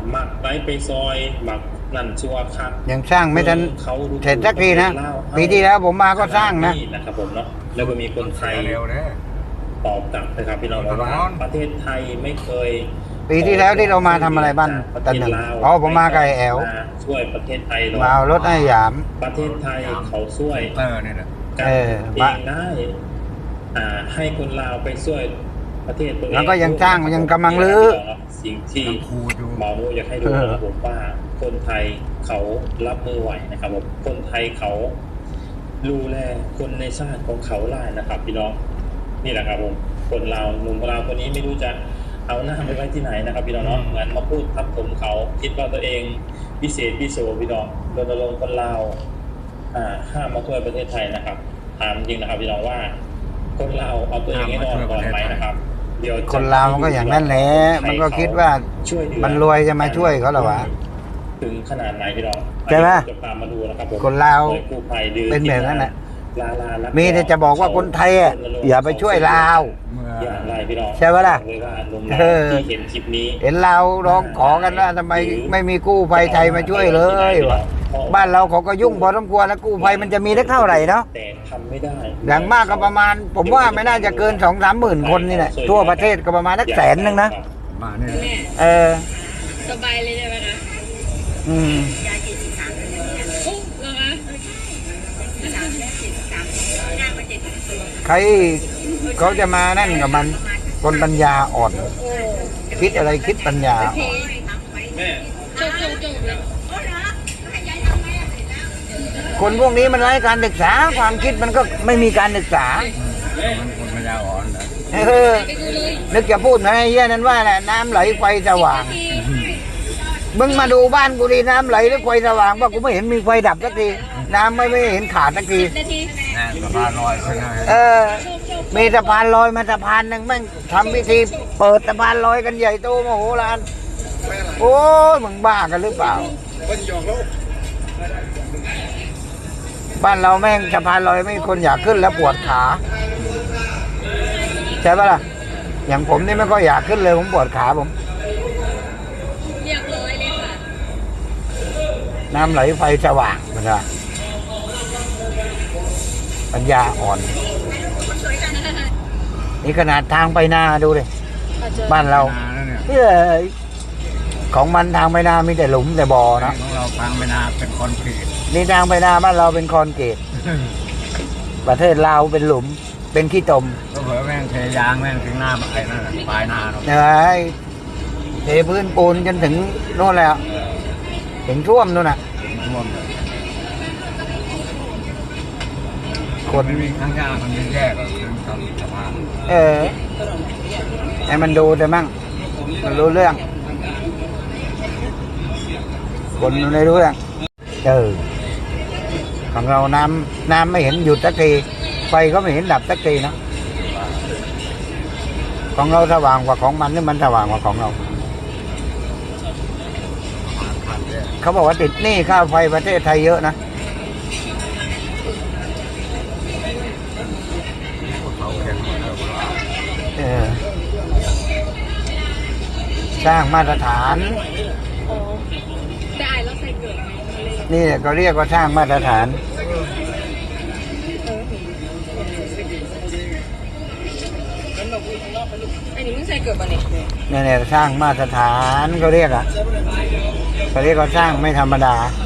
หมักไปซอยหมักนั่นชัวครับยังสร้างไม่ทันเสร็จสักทีนะปีที่แล้วผมมาก็สร้างนะครับผมเนาะแล้วก็มีคนไทยตอบกลับนะครับพี่น้องว่าประเทศไทยไม่เคยปีที่แล้วที่เรามาทำอะไรบ้างตอนหนึ่งผมมาไกลแอลช่วยประเทศไทยมาเอารถให้หยามประเทศไทยเขาช่วยนี่แหละกันเองได้ให้คนลาวไปช่วยประเทศตัวเองแล้วก็ยังสร้างยังกำลังรื้อสิ่งที่หมอมูอยากให้ดูนะครับผมว่าคนไทยเขารับมือไหวนะครับผมคนไทยเขาดูแลคนในชาติของเขาได้นะครับพี่น้องนี่แหละครับผมคนลาวหนุ่มลาวคนนี้ไม่รู้จะเอาหน้าไปไว้ที่ไหนนะครับพี่น้องเนาะเหมือนมาพูดทับถมเขาคิดว่าตัวเองพิเศษพิโสพี่น้องรณรงค์คนลาวห้ามมาช่วยประเทศไทยนะครับถามจริงนะครับพี่น้องว่าคนลาวเอาตัวเองให้รอดก่อนไหมนะครับเดี๋ยวคนลาวมันก็อย่างนั้นแหละมันก็คิดว่ามันรวยจะมาช่วยเขาหรอวะถึงขนาดไหนพี่น้องใช่ไหมจะตามมาดูนะครับผมคนลาวเป็นแบบนั้นแหละมีแต่จะบอกว่าคนไทยอย่าไปช่วยลาวใช่ไหมล่ะเห็นเราร้องขอกันว่าทำไมไม่มีกู้ภัยไทยมาช่วยเลยวะบ้านเราเขาก็ยุ่งพอสมควรแล้วกู้ภัยมันจะมีได้เท่าไหร่เนาะแต่ทำไม่ได้อย่างมากก็ประมาณผมว่าไม่น่าจะเกิน2-3 หมื่นคนนี่แหละทั่วประเทศก็ประมาณสัก100,000นะมาเนี่ยสบายเลยใช่ไหมคะใครเขาจะมานั่นกับมันคนปัญญาอ่อนคิดอะไรคิดปัญญาคนพวกนี้มันไร้การศึกษาความคิดมันก็ไม่มีการศึกษาคนปัญญาอ่อนนึกจะพูดนะไอ้เหี้ยนั้นว่าแหละน้ำไหลไฟสว่างมึงมาดูบ้านกูดีน้ำไหลหรือไฟสว่างว่ากูไม่เห็นมีไฟดับสักทีน้ำไม่เห็นขาดสักทีสะพานลอยมีสะพานลอยมาสะพานหนึ่งแม่งทำพิธีเปิดสะพานลอยกันใหญ่โตมโหฬารโอ้ยมึงบ้ากันหรือเปล่าบ้านเราแม่งสะพานลอยไม่มีคนอยากขึ้นแล้วปวดขาใช่ปะล่ะอย่างผมนี่ไม่ก็อยากขึ้นเลยผมปวดขาผมเรียบร้อยเลยค่ะน้ำไหลไฟสว่างมันว่าปัญญาอ่อนนี่ขนาดทางไปนาดูเลยบ้านเราของมันทางไปนามีแต่หลุมแต่บ่อนะของเราทางไปนาเป็นคอนกรีตนี่ทางไปนาบ้านเราเป็นคอนกรีตประเทศลาวเป็นหลุมเป็นขี้ตมก็เผลอแม่งเทยางแม่งถึงหน้าไอ้นั่นปลายนาเนาะเทพื้นปูนจนถึงโน่นแล้วถึงท่วมโน่นน่ะคนมีข้างยากมันมีแยกก็คือทำสะพานให้มันดูแต่มั่งมันรู้เรื่องคนไม่รู้เรื่องของเราน้ำไม่เห็นหยุดสักทีไฟก็ไม่เห็นดับสักทีนะของเราสว่างกว่าของมันหรือมันสว่างกว่าของเราเขาบอกว่าติดหนี้ค่าไฟประเทศไทยเยอะนะสร้างมาตรฐานนี่ก็เรียกว่าสร้างมาตรฐานอันนี้มึงใส่เกิดป่ะเนี่ยสร้างมาตรฐานเขาเรียกว่าสร้างไม่ธรรมดา